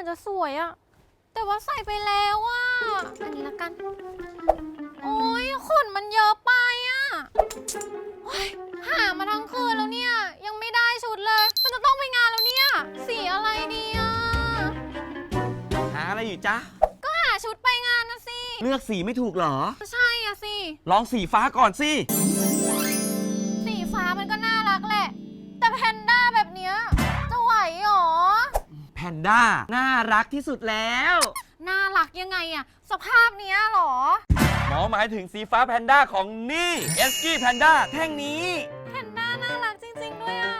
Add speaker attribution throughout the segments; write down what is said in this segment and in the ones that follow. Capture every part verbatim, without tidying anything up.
Speaker 1: จะสวยอะแต่ว่าใส่ไปแล้วอะอันนี้ละกัน โอ้ยขนมันเยอะไปอะหามาทั้งคืนแล้วเนี่ยยังไม่ได้ชุดเลยมันจะต้องไปงานแล้วเนี่ยสีอะไรดีอะ
Speaker 2: หาอะไรอยู่จ๊ะ
Speaker 1: ก็หาชุดไปงานนะสิ
Speaker 2: เลือกสีไม่ถูกเหรอ
Speaker 1: ใช่อะสิ
Speaker 2: ลองสีฟ้าก่อนสิ
Speaker 1: สีฟ้ามันก็น่ารักแหละแต่แพนด้าแบบเนี้ยจะไหวหรอ
Speaker 2: แพนด้าน่ารักที่สุดแล้ว
Speaker 1: น่ารักยังไงอะสภาพเนี้ยหรอ
Speaker 2: หมอหมายถึงสีฟ้าแพนด้าของนี่เอสกี้แพนด้าแท่งนี้
Speaker 1: แพนด้าน่ารักจริงๆด้วยอะ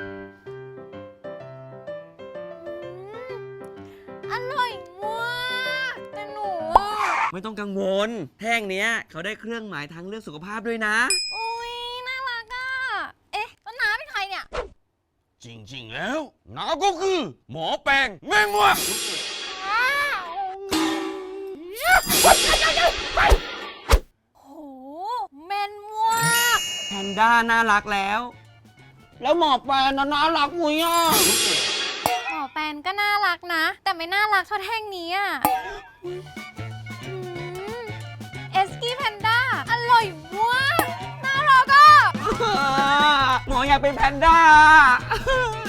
Speaker 1: อร่อยมากแต่หนู
Speaker 2: ไม่ต้องกังวลแท่งเนี้ยเขาได้เครื่องหมายทางเลือกสุขภาพด้วยนะ
Speaker 1: อุ้ยน่ารักอะเอ๊ะแล้วน้าเป็นใครเนี่ย
Speaker 2: จริงๆแล้วน้าก็คือหมอแปลงแม่งวะ
Speaker 1: โหแมนมาก
Speaker 2: แพนด้าน่ารักแล้วแล้วหมอแปลงน่ารักมุ้ยอ่ะ
Speaker 1: หมอแปนก็น่ารักนะแต่ไม่น่ารักเท่าแท่งนี้อ่ะเอสกี้แพนด้าอร่อยมากน่ารักอ่ะ
Speaker 2: หมออยากเป็นแพนด้า